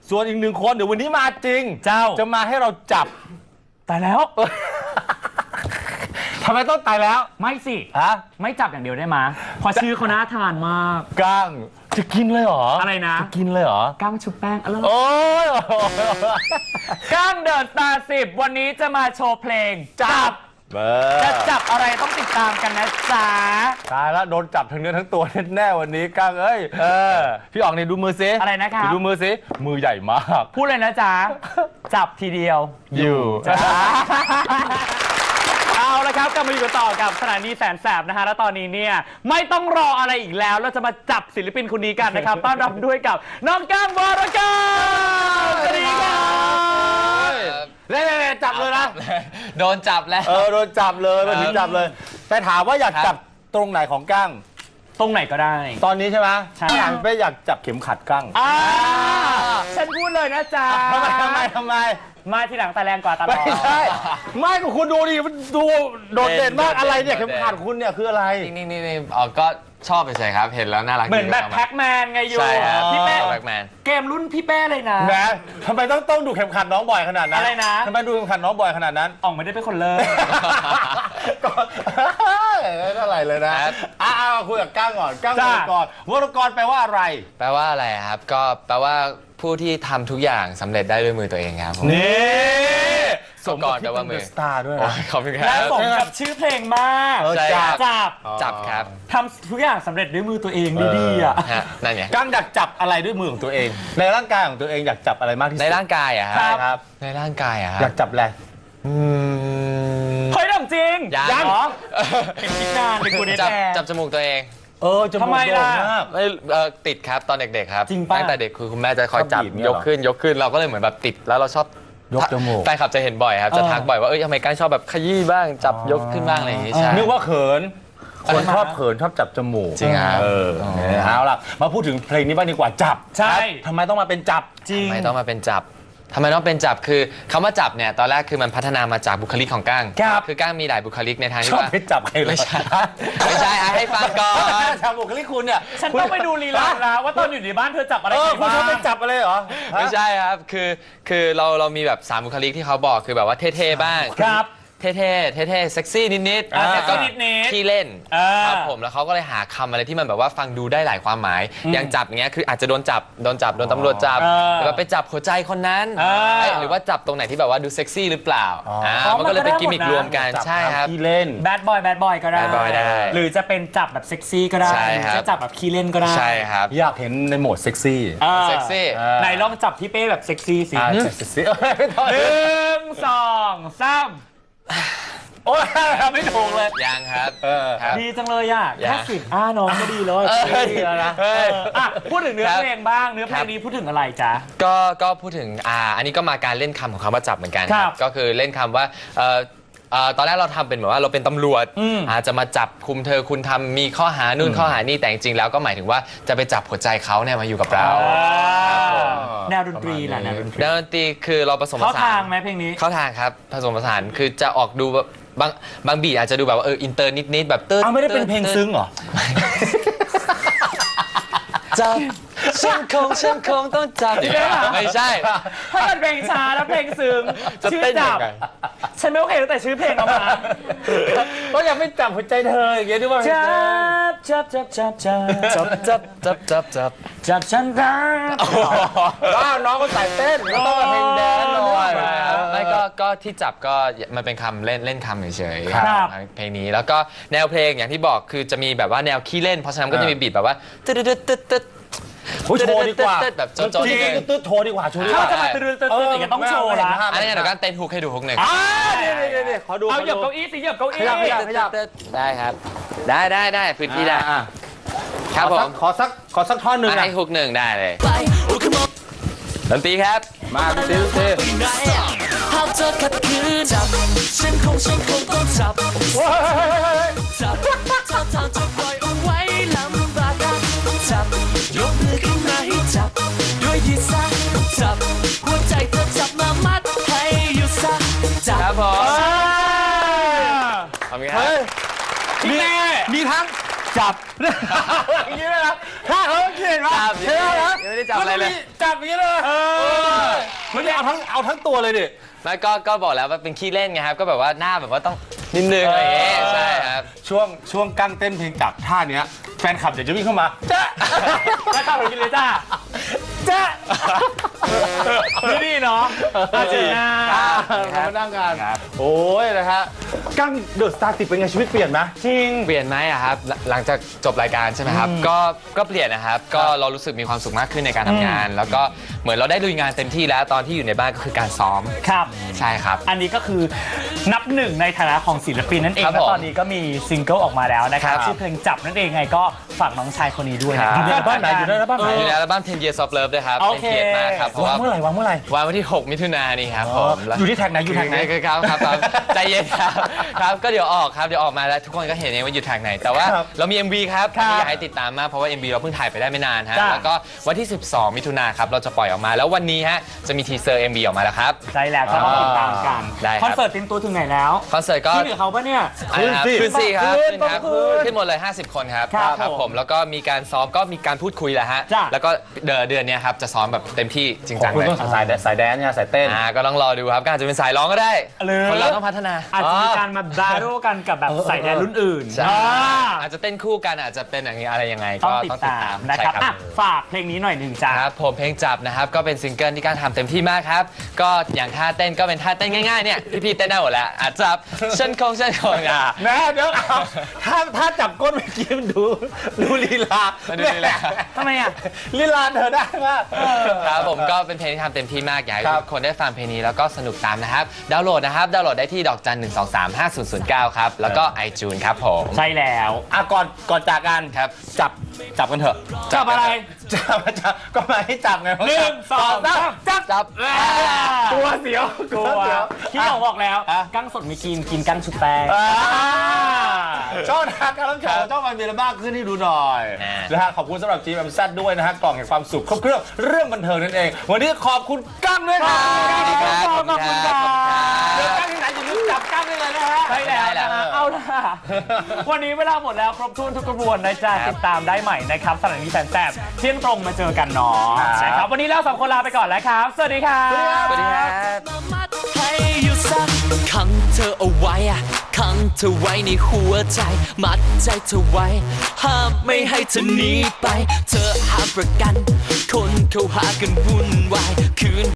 ส่วนอีกหนึ่งคนเดี๋ยววันนี้มาจริงเจ้าจะมาให้เราจับตายแล้วทำไมต้องตายแล้วไม่สิฮะไม่จับอย่างเดียวได้มาพอชื่อเขาน่าทานมากก้างจะกินเลยเหรออะอะไรนะจะกินเลยเหรอก้างชุบแป้งอร่อยโอ้ยก้างเดอะสตาร์10วันนี้จะมาโชว์เพลงจับเบอจะร์จับอะไรต้องติดตามกันนะจ๊ะตายแล้วโดนจับทั้งเนื้อทั้งตัวแน่ๆวันนี้ก้างเอ้ยพี่อ๋องเนี่ยดูมือซิอะไรนะครับดูมือซิมือใหญ่มากพูดเลยนะจ๊ะ จับทีเดียวอยู่จ้า เอาละครับกลับมาอยู่กันต่อกับสถานีแสนแสบนะฮะ แล้วตอนนี้เนี่ยไม่ต้องรออะไรอีกแล้ว เราจะมาจับศิลปินคนนี้กันนะครับ ต้อนรับด้วยกับน้องก้างวรกรสวัสดีครับเล่นๆจับเลยนะโดนจับแล้วโดนจับเลยมาถึงจับเลย แต่ถามว่าอยากจับตรงไหนของก้างตรงไหนก็ได้ตอนนี้ใช่ไหมใช่ไม่อยากจับเข็มขัดก้างฉันพูดเลยนะจ๊ะทำไมมาทีหลังแต่แรงกว่าตลไม่อดใช่ไม่ก็คุณดูดิมันดูโดดเด่นมากอะไรเนี่ยเข็มขัดคุณเนี่ยคืออะไรนี่ก็ชอบไปใช่ครับ เห็นแล้วน่ารักเหมือนแบบแพ็กแมนไงโยใช่ครับพี่เป้แบ็กแมนเกมรุ่นพี่เป้เลยนะแหมทำไมต้องดูเข็มขัดน้องบ่อยขนาดนั้นอะไรนะทำไมดูเข็มขัดน้องบ่อยขนาดนั้นอ่องไม่ได้เป็นคนเลิกก็ไม่เท่าไหร่เลยนะคุยกับก้างก่อนก้างวรกรวรกรแปลว่าอะไรแปลว่าอะไรครับ ก็แปลว่าผู้ที่ทำทุกอย่างสำเร็จได้ด้วยมือตัวเองครับผมนี่สมก่อนแปลว่ามือสตาร์ด้วยโอ้นะยขอบคุณคและรับสมกับชื่อเพลงมากใช่ครับจับจับครับทำทุกอย่างสำเร็จด้วยมือตัวเองดีๆอ่ะฮะนั่นไงก้างอยากจับอะไรด้วยมือของตัวเอง ในร่างกายของตัวเองอยากจับอะไรมากที่สุดในร่างกายอะใช่ครับครับในร่างกายอะคอยารับกจับอะไรเฮ้ยทำจริงยังเหรอเป็นคิดนานเป็นกูเดทจับแอร์จับจมูกตัวเองจมูกทำไมล่ะโด่งมากไม่ติดครับตอนเด็กๆครับจริงปะตั้งแต่เด็กคือคุณแม่จะคอยจับชอบบีบเนี่ยยเหรอกขึ้นเราก็เลยเหมือนแบบติดแล้วเราชอบยกจมูกแฟนคลับจะเห็นบ่อยครับจะทักบ่อยว่าทำไมก้างชอบแบบขยี้บ้างจับยกขึ้นบ้างอะไรอย่างงี้ใช่นึกว่าเขิน คนชอบเขินชอบจับจมูกจริงครับเอาล่ะ มาพูดถึงเพลงนี้บ้างดีกว่าจับใช่ทำไมต้องมาเป็นจับจริงทำไมต้องมาเป็นจับทำไมต้องเป็นจับคือคำว่าจับเนี่ยตอนแรกคือมันพัฒนามาจากบุคลิกของก้างครับคือก้างมีหลายบุคลิกในทางชที่อบว่าไปจับใครเลยไม่ใช่ให้ฟังก่อนจับบุคลิกคุณเนี่ยฉันต้องไปดูลีลานะว่าตอนอยู่ในบ้านเธอจับอะไรคุณบ้าชอบไปงจับอะไรเหรอไม่ใช่ครับคือเรามีแบบ3บุคลิกที่เขาบอกคือแบบว่าเท่ๆบ้างครับเท่เซ็กซี่นิดเซ็กซี่ก็นิดๆขี้เล่นอ่าครับผมแล้วเขาก็เลยหาคำอะไรที่มันแบบว่าฟังดูได้หลายความหมาย อย่างจับอย่างเงี้ยคืออาจจะโดนตำรวจจับหรือว่าไปจับหัวใจคนนั้นหรือว่าจับตรงไหนที่แบบว่าดูเซ็กซี่หรือเปล่ามันก็เลยเป็นกิมมิครวมกันใช่ครับที่เล่นแบดบอยก็ได้ Bad boy ได้หรือจะเป็นจับแบบเซ็กซี่ก็ได้ใช่หรือครับจะจับแบบขี้เล่นก็ได้ใช่ครับอยากเห็นในโหมดเซ็กซี่เซ็กซี่ไหนลองจับพี่เป้แบบเซ็กซี่สิเซ็กซี่ไม่ต้อง 1 2 3 โอ้ยไม่ถูกเลยยังครับ ครับดีจังเลยอ่ะอย่าแค่10น้องก็ดีเลยดีแล้วนะพูดถึงเนื้อครับเพลงบ้างเนื้อเพลงนี้พูดถึงอะไรจ๊ะก็พูดถึงอันนี้ก็มาการเล่นคำของคำว่าจับเหมือนกันครับก็คือเล่นคำว่าตอนแรกเราทำเป็นแบบว่าเราเป็นตำรวจจะมาจับคุมเธอคุณทำมีข้อหานู่นข้อหานี่แต่จริงๆแล้วก็หมายถึงว่าจะไปจับหัวใจเขาเนี่ยมาอยู่กับเราแนวดนตรีแหละแนวดนตรีดนตรีคือเราผสมผเข้าสาทางนไหมเพลงนี้เข้าทางครับผสมผสานคือจะออกดูแบบบางบีทอาจจะดูแบบว่าอินเตอร์นิดๆแบบเติร์ดเอาไม่ได้เป็นเพลงซึ้งเหรอจับฉันคงต้องจับไม่ใช่ถ้าเป็นเพลงช้าแล้วเพลงซึ้งจะชื่อเต้นจัยับงไงฉันไม่โอเคตั้งแต่ชื่อเพลงเอามาก็ยังไม่จับหัวใจเธออย่างเงี้ยด้วยว่าจับจับฉันรักน้องก็ใส่เต้นก็ต้องมาเพลงแดนซ์หน่อยไม่ก็ที่จับก็มันเป็นคำเล่นคำเฉยๆครับเพลงนี้แล้วก็แนวเพลงอย่างที่บอกคือจะมีแบบว่าแนวขี้เล่นเพราะฉะนั้นก็จะมีบีทแบบว่าตึ๊ดโโชว์ดีกว่าแบบโจนๆจริงๆโชว์ดีกว่าโชว์ดีกถ้าว่าจะมาตื่นอย่างนี้ต้องโชว์ละอันนี้เดี๋ยวกันเต้นฮุกให้ดูฮุกหนึ่งนี่ขอดูเอาเหยียบเก้าอี้สิเหยียบเก้าอี้ขยับได้ครับ ได้พื้นที่ได้ครับผมขอสักท่อนหนึ่งนะให้ฮุกหนึ่งได้เลยดนตรีครับมาซิหากเธอขัดขืนจับฉันคงต้องจับจับถ้าทางจะปล่อยเอาไว้ลำบากกันจับยกมือขึ้นมาให้จับด้วยยีซะจับหัวใจเธอจับมามัดให้อยู่ซะจับครับผมทำไงครับมีทั้งจับอย่างนี้เลยนะถ้าเขาเขียนว่าจับเท่นะยังไม่ได้จับอะไรเลยจับอย่างนี้เลยไม่ได้เอาทั้งตัวเลยดิไม่ก็บอกแล้วว่าเป็นขี้เล่นไงครับก็แบบว่าหน้าแบบว่าต้องนิดนึงอะไรอย่างเงี้ยใช่ครับช่วงกั้งเต้นเพลงจับท่าเนี้ยแฟนคลับเดี๋ยวจะวิ่งเข้ามาจ้าแล้วข้าวหนูกินเลยจ้าจ้านี่เนาะอาเจน่าเรามานั่งกันโอ้ยนะฮะกั้งเดอะสตาร์ติดเป็นไงชีวิตเปลี่ยนไหมจริงเปลี่ยนไหมอะครับหลังจากจบรายการใช่ไหมครับก็เปลี่ยนนะครับก็เรารู้สึกมีความสุขมากขึ้นในการทำงาน แล้วก็เหมือนเราได้ลุยงานเต็มที่แล้วตอนที่อยู่ในบ้านก็คือการซ้อมครับใช่ครับอันนี้ก็คือนับหนึ่งในฐานะของศิลปินนั่นเองครับและผมตอนนี้ก็มีซิงเกิลออกมาแล้วนะครับครับชื่อเพลงจับนั่นเองไงก็ฝากน้องชายคนนี้ด้วยนะครับอยู่ในอัลบั้มไหนอยู่ในอัลบั้มไหนอยู่ในอัลบั้ม10 Years of Love ด้วยครับโอเป็นเคเกียรติมากครับเพราะวาว่างเมื่อไหร่วางเมื่อไหร่วันที่ 6 มิถุนายนนี่ครับผมอยู่ที่แท็กไหนอยู่แท็กไหนครับใจเย็นครับครับก็เดี๋ยวออกครับเดี๋ยวออกมาแล้วทุกคนก็เห็นเองว่าอยู่แท็กไหนแต่ว่าครับเรามี MV ครับครับที่อยากให้ติดตามมากเพราะว่า MV เราเพิ่งถ่ายไปได้ไม่นานฮะจ้ะแล้วก็วันที่ 12 มิถุนายนครับเราจะปล่อยออกมาแล้ววันนี้ฮะจะมีทีเซอร์ MV ออกมาแล้วครับใช่แล้วก็ต้องติดตามกันได้ครับคอนเสิร์ตเต็มตัวถึงไหนแล้วคอนเสิร์ตก็ที่เหลือเขาปะเนี่ยขึ้นสิครับขึ้ขึ้นนครับขึ้นขึ้นหมดเลย 50 คนครับครับผมแล้วก็มีการซ้อมก็มีการพูดคุยแหละฮะจ้ะแล้วก็เดือนเนี้ยครับจะซ้อมแบบเต็มที่จริงจังคุณเลยต้องสายแดนเนี่ยสายเต้นก็ต้องรอดูครับก็อาจจะเป็นสายร้องก็ได้หรือคนเราต้องพัฒนาอาจจะมีการมาบาร์โรกันกับแบบใส่แดนรุ่นอื่นใช่อ่าอาจจะเต้นคู่กันอาจจะเป็นอย่างนี้อะไรยังไงต้ก็องติดตามนะครับใช่อ่ะฝากเพลงนี้หน่อยหนึ่งจ้าครับผมเพลงจับนะครับก็เป็นซิงเกิลที่การทำเต็มที่มากครับก็อย่างท่าเต้นก็เป็นท่าเต้นง่ายๆเนี่ยพี่ๆเต้นได้หมดแล้วจับเช่นคงอ่ะนะเดี๋ยวเอาถ้าจับก้นเมื่อกี้มันดูลีลาดูลีลาทำไมอ่ะลีลาเธอได้มากครับผมก็เป็นเพลงที่ทำเต็มที่มากอยากให้ครับทุกคนได้ฟังเพลงนี้แล้วก็สนุกตามนะครับดาวน์โหลดนะครับดาวน์โหลดได้ที่ดอกจัน 1235009 ครับแล้วก็ iTunes ครับผมใช่แล้วอ่ะก่อนจากกันครับจับกันเถอะจับอะไรจับก็มาให้จับไงหนึ่งสองสามจับจับกลัวเสียวกลัวเสียวที่เราบอกแล้วอ่ะกั้งสดมีกินกั้งชุบแป้งช่องทางการรับชมช่องมันมีอะไรบ้างขึ้นให้ดูหน่อยนะฮะขอบคุณสำหรับ GMZ ด้วยนะฮะกล่องแห่งความสุขครบเครื่องเรื่องบันเทิงนั่นเอง วันนี้ขอบคุณกั้งด้วยครับขอบคุณครับเจอกั้งที่ไหนอย่าลืมจับกั้งได้เลยนะฮะใช่แล้วนะฮะเอาล่ะ วันนี้เวลาหมดแล้วครบถ้วนทุกกระบวนนะจ๊ะติดตามได้ใหม่นะครับสถานีแสนแสบเที่ยงตรงมาเจอกันเนาะนะครับวันนี้เราสองคนลาไปก่อนแล้วครับ สวัสดีครับสวัสดีครับมามัดให้อยู่สักขังเธอเอาไว้อะขังเธอไว้ในหัวใจ มัดใจเธอไว้ ห้ามไม่ให้เธอหนีไป เธอหาประกัน คนเขาหากันวุ่นวายคืน